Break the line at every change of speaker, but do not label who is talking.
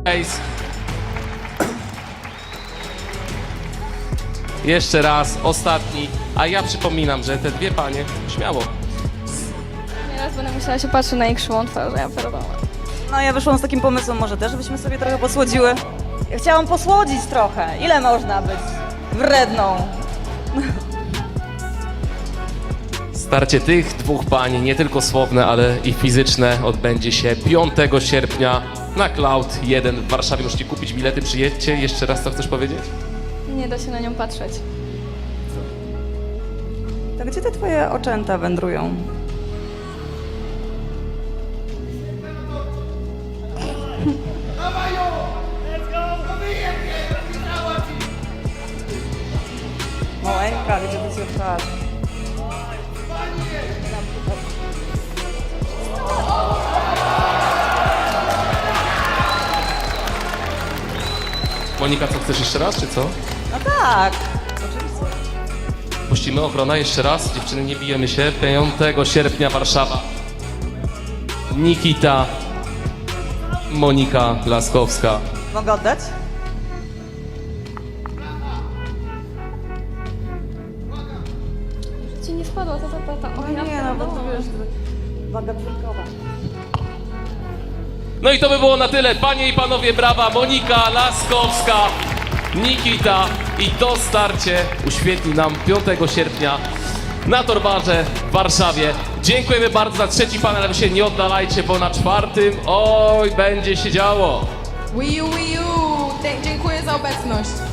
Ace. Jeszcze raz, ostatni. A ja przypominam, że te dwie panie, śmiało.
Nieraz będę musiała się patrzeć na ich krzywą twarz, ja pierdolę.
No ja wyszłam z takim pomysłem, może też byśmy sobie trochę posłodziły. Ja chciałam posłodzić trochę. Ile można być wredną?
Starcie tych dwóch pań, nie tylko słowne, ale i fizyczne, odbędzie się 5 sierpnia na Cloud 1 w Warszawie. Możecie kupić bilety, przyjedźcie. Jeszcze raz co chcesz powiedzieć?
Nie da się na nią patrzeć.
To gdzie te twoje oczęta wędrują? Maleńka, gdzie to się wpadł?
Monika, co chcesz jeszcze raz, czy co?
No tak, oczywiście.
Puścimy ochrona jeszcze raz. Dziewczyny, nie bijemy się. 5 sierpnia Warszawa. Nikita, Monika Laskowska.
Mogę oddać?
Ci nie spadła ta zapłata. O, ja
Nie no, bo to
pierdolę.
wiesz, waga dwójkowa.
No i to by było na tyle. Panie i panowie, brawa. Monika Laskowska, Nikita i to starcie uświetli nam 5 sierpnia na Torwarze w Warszawie. Dziękujemy bardzo za trzeci panel, ale wy się nie oddalajcie, bo na 4 oj, będzie się działo.
Wii U, dziękuję za obecność.